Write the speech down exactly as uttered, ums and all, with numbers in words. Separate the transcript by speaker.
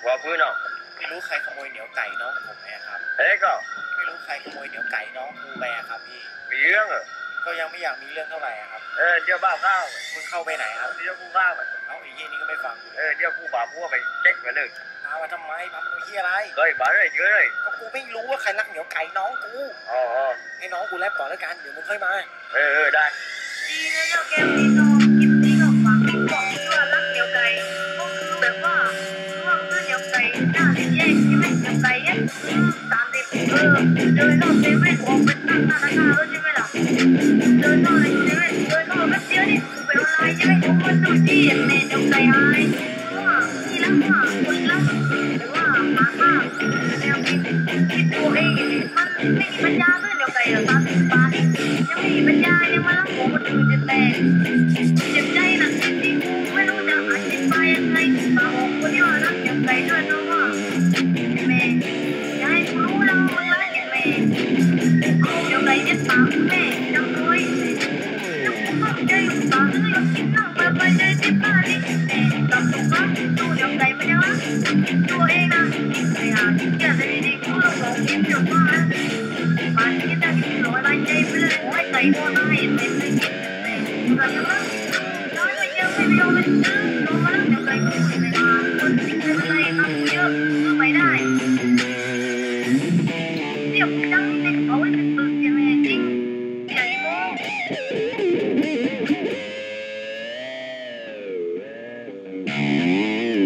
Speaker 1: ว่าพื้นเอา
Speaker 2: ไม่รู้ใครขโมยเหนียวไก่น้องผมไหมครับ
Speaker 1: เอ๊ะก็
Speaker 2: ไม่รู้ใครขโมยเหนียวไก่น้องกูไปครับพี่
Speaker 1: มีเรื่องเหรอ
Speaker 2: ก็ยังไม่อยากมีเรื่องเท่าไหร่ครับ
Speaker 1: เออเดี๋ยวบ้าข้าว
Speaker 2: มึงเข้าไปไหนครับ
Speaker 1: เดี๋ยวกูข้าว
Speaker 2: เอาไอ้ยี่นี่ก็ไม่ฟัง
Speaker 1: เออเดี๋ยวกูบ่าพัวไปเช็คมาเลย
Speaker 2: พามาทำไมพามาดูเฮียอะไร
Speaker 1: เฮ้ยบ้าเลยเยอะเลย
Speaker 2: ก็กูไม่รู้ว่าใครรักเหนียวไก่น้องกู
Speaker 1: อ๋อ
Speaker 2: ให้น้องกูแลบก่อนแล้วกันเดี๋ยวมึงค่อยมา
Speaker 1: เออเออได้
Speaker 3: ดีเลยเจ้าแก้วนี่น้องกินนี่ก็ฟังบอกว่ารักเหนียวไก่ก็คือแบบว่าร่วงด้วยเหนียวไก่หน้าเด็กแย่ใช่ไหมเหนียวไก่เนี่ยตามเด็กเออเดินรอบเซเว่นออกไปตั้งหน้าหน้าแล้วใช่ไหมล่ะเดินรอบในเซเว่นเดินรอบแป๊บเดียวนี่ไปออนไลน์ใช่ไหมผมก็ดูที่เน็ตเหนียวไก่หายว่าที่รักว่าคนรักหรือว่าหมาห้าแนวคิดคิดตัวเองมันไม่มีปัญญาเพื่อนเหนียวไก่หรอกตามสิบบาทยังไม่มีปัญญายังมาลักหัวคนอื่นจะแตกเจ็บใจหนักจริงๆไม่รู้จะอธิบายยังไงมาบอกคนที่ว่ารักเหนียวไก่ด้วยนะว่าแม่อย่าให้กูรู้แล้วมึงรักแม่เอาเหนียวไก่เย็ดปากแม่จำด้วยแล้วกูก็ใจอยู่ปากเลยกินนั่งแบบไปใจที่บ้านนี่แม่กลับถูกรักดูเหนียวไก่มันยังรักตัวเองนะไอ้ห่าที่เกียจเลยดีกูต้องบอกกินเดี๋ยวมาบ้านที่จะกินร้อยใบใจไปเลยโอ้ยไก่ตัวไหน